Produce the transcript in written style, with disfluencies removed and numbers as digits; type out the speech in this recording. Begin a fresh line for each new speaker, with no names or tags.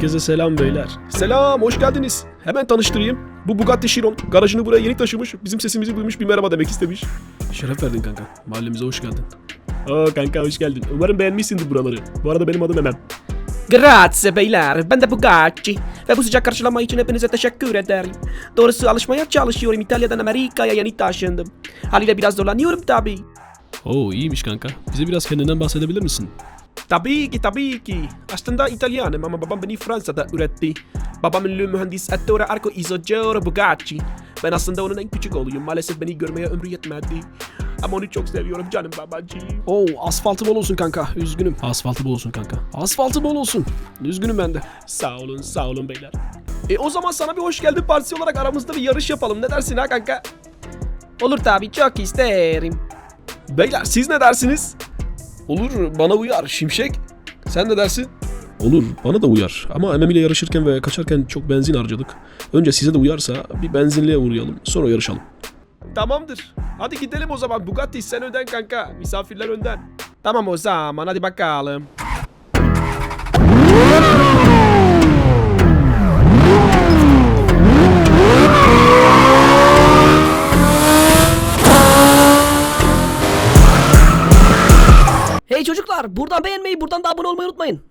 Herkese selam beyler. Selam, hoş geldiniz. Hemen tanıştırayım. Bu Bugatti Chiron. Garajını buraya yeni taşımış. Bizim sesimizi duymuş, bir merhaba demek istemiş. Şeref verdin kanka. Mahallemize hoş geldin. Kanka hoş geldin. Umarım beğenmişsindir buraları. Bu arada benim adım Emem.
Grazie beyler, ben de Bugatti ve bu sıcak karşılama için hepinize teşekkür ederim. Doğrusu alışmaya çalışıyorum, İtalya'dan Amerika'ya yeni taşındım. Haliyle biraz zorlanıyorum tabii.
İyiymiş kanka. Bize biraz kendinden bahsedebilir misin?
Tabii ki. Aslında İtalyanım ama babam beni Fransa'da üretti. Babam ünlü mühendis Ettore Arco Isogeo Bugatti. Ben aslında onun en küçük oğluyum. Maalesef beni görmeye ömrü yetmedi. Ama onu çok seviyorum canım babacığım.
Asfaltı bol olsun kanka. Üzgünüm. Asfaltı bol olsun kanka. Asfaltı bol olsun. Üzgünüm ben de.
Sağ olun beyler. O zaman sana bir hoş geldin partisi olarak aramızda bir yarış yapalım. Ne dersin ha kanka? Olur tabii, çok isterim.
Beyler siz ne dersiniz? Olur, bana uyar Şimşek. Sen ne dersin? Olur, bana da uyar. Ama Emem ile yarışırken ve kaçarken çok benzin harcadık. Önce size de uyarsa bir benzinliğe uğrayalım. Sonra yarışalım.
Tamamdır. Hadi gidelim o zaman. Bugatti sen önden kanka. Misafirler önden. Tamam o zaman, hadi bakalım. Hey çocuklar, buradan beğenmeyi, buradan da abone olmayı unutmayın.